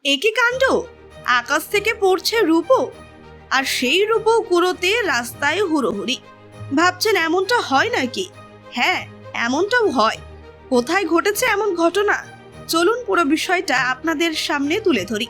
একই কাণ্ড, আকাশ থেকে পড়ছে রূপো, আর সেই রূপো কুড়োতে রাস্তায় হুড়োহুড়ি। ভাবছেন এমনটা হয় নাকি? হ্যাঁ, এমনটাও হয়। কোথায় ঘটেছে এমন ঘটনা, চলুন পুরো বিষয়টা আপনাদের সামনে তুলে ধরি।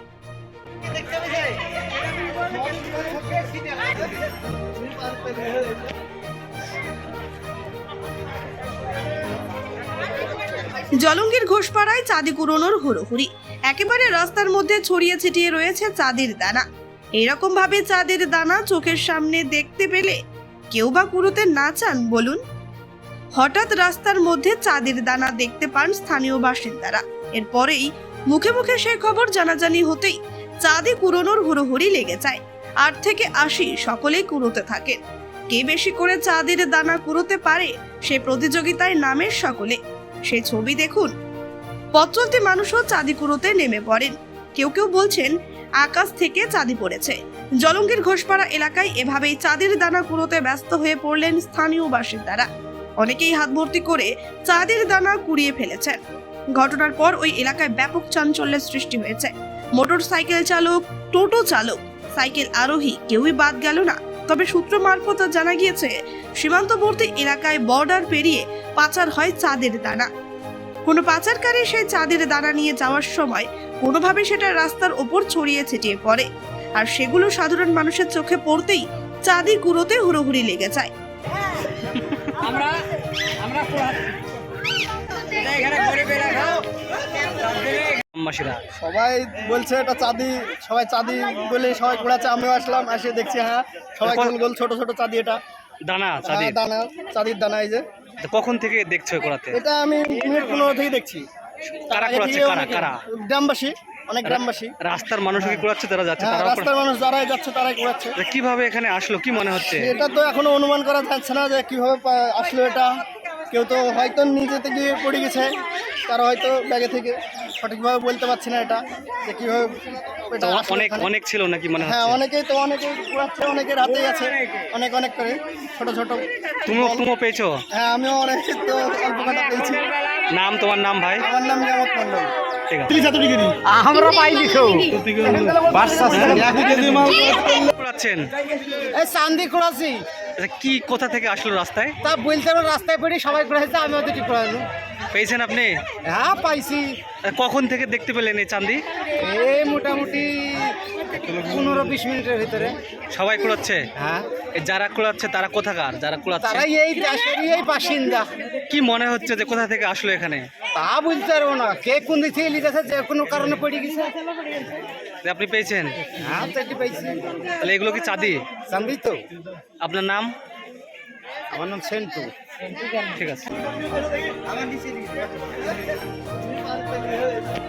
জলঙ্গির ঘোষপাড়ায় চাঁদি কুড়োনোর হুড়োহুড়ি। একেবারে রাস্তার মধ্যে ছড়িয়ে ছিটিয়ে রয়েছে চাঁদের দানা। এরকম ভাবে চাঁদের দানা চোখের সামনে দেখতে পেলে কেউ বা কুড়োতে না চান বলুন? হঠাৎ রাস্তার মধ্যে চাঁদের দানা দেখতে পান স্থানীয় বাসিন্দারা। এরপরেই মুখে মুখে সেই খবর জানাজানি হতেই চাঁদে কুড়োনোর হুড়োহুড়ি লেগে যায়। 8 থেকে 80 সকলেই কুড়োতে থাকেন। কে বেশি করে চাঁদের দানা কুড়োতে পারে সে প্রতিযোগিতায় নামের সকলে। সেই ছবি দেখুন। পথ চলতি মানুষও চাঁদি কুড়োতে নেমে পড়েন। কেউ কেউ বলছেন আকাশ থেকে চাঁদি পড়েছে। জলঙ্গির ঘোষপাড়া এলাকায় এভাবেই চাঁদের দানা কুড়োতে ব্যস্ত হয়ে পড়লেন স্থানীয় বাসিন্দারা। অনেকেই হাত ভর্তি করে চাঁদের দানা কুড়িয়ে ফেলেছেন। ঘটনার পর ওই এলাকায় ব্যাপক চাঞ্চল্যের সৃষ্টি হয়েছে। মোটর সাইকেল চালক, টোটো চালক, সাইকেল আরোহী কেউই বাদ গেল না। তবে সূত্র মারফত জানা গিয়েছে সীমান্তবর্তী এলাকায় বর্ডার পেরিয়ে পাচার হয় চাঁদের দানা। কোনো পাচারকারী সেই চাঁদের দানা নিয়ে যাওয়ার সময় কোনোভাবে সেটা রাস্তার ওপর ছড়িয়ে ছিটিয়ে পড়ে, আর সেগুলো সাধারণ মানুষের চোখে পড়তেই চাঁদি কুড়োতে হুড়োহুড়ি লেগে যায়। সবাই বলছে এটা চাঁদি, সবাই চাঁদি বলে সবাই ঘোরাচ্ছে। আমিও আসলাম, এসে দেখছি হ্যাঁ সবাই গোল গোল ছোট ছোট চাঁদি। এটা দানা চাঁদির দানা, চাঁদির দানা। এই যে কখন থেকে দেখছো করাতে? এটা আমি মিনিট 15 থেকে দেখছি। কারা করাচ্ছে? কারা? গ্রামবাসী, অনেক গ্রামবাসী। রাস্তার মানুষ কি করাচ্ছে? তারা যাচ্ছে, হ্যাঁ, তারা রাস্তার মানুষ যারাই যাচ্ছে তারাই ঘোরাচ্ছে। কিভাবে এখানে আসলো কি মনে হচ্ছে? এটা তো এখনো অনুমান করা যাচ্ছে না যে কিভাবে আসলো এটা। কেউ তো হয়তো নিজেতে গিয়ে পড়ে গেছে, তারা হয়তো ব্যাগে থেকে, সঠিকভাবে বলতে পারছি না এটা যে কিভাবে এটা আসলো অনেক এখানে। অনেক ছিল নাকি মনে হ্যাঁ, হচ্ছে? অনেকেই ঘোরাচ্ছে, অনেকের হাতেই আছে অনেক অনেক করে ছোট ছোট। তুমিও পেয়েছো? হ্যাঁ, আমিও অনেক তো অল্প কটা পেয়েছি। নাম, তোমার নাম ভাই? আমার নাম নিয়ামত মন্ডল। ঠিক আছে। আমরা পাইনি কেউ করাচ্ছেন? এই চান্দি করাছি। আচ্ছা, কি কোথা থেকে আসলো রাস্তায়? তা বলতে পারো, রাস্তায় পড়ে সবাই করেছে, আমি ওদের ঠিক করালো। পেয়েছেন আপনি? হ্যাঁ, পাইছি। কখন থেকে দেখতে পেলেন এই চাঁদি? এই মোটামুটি 15-20 মিনিটের ভিতরে। সবাই কুড়াচ্ছে? হ্যাঁ, যারা কুড়াচ্ছে তারা কোথাকার? যারা কুড়াচ্ছে তারাই এই দেশেরই এই বাসিন্দা। কি মনে হচ্ছে যে কোথা থেকে আসলো এখানে? তা বলতে পারবো না, কে কোন দিক থেকে লিখেছে, যে কোনো কারণে পড়ে গেছে। যে আপনি পেয়েছেন? হ্যাঁ, তো এটি পাইছি। তাহলে এগুলো কি চাঁদি? চান্দি তো। আপনার নাম? আমার নাম সেন্টু। ঠিক আছে।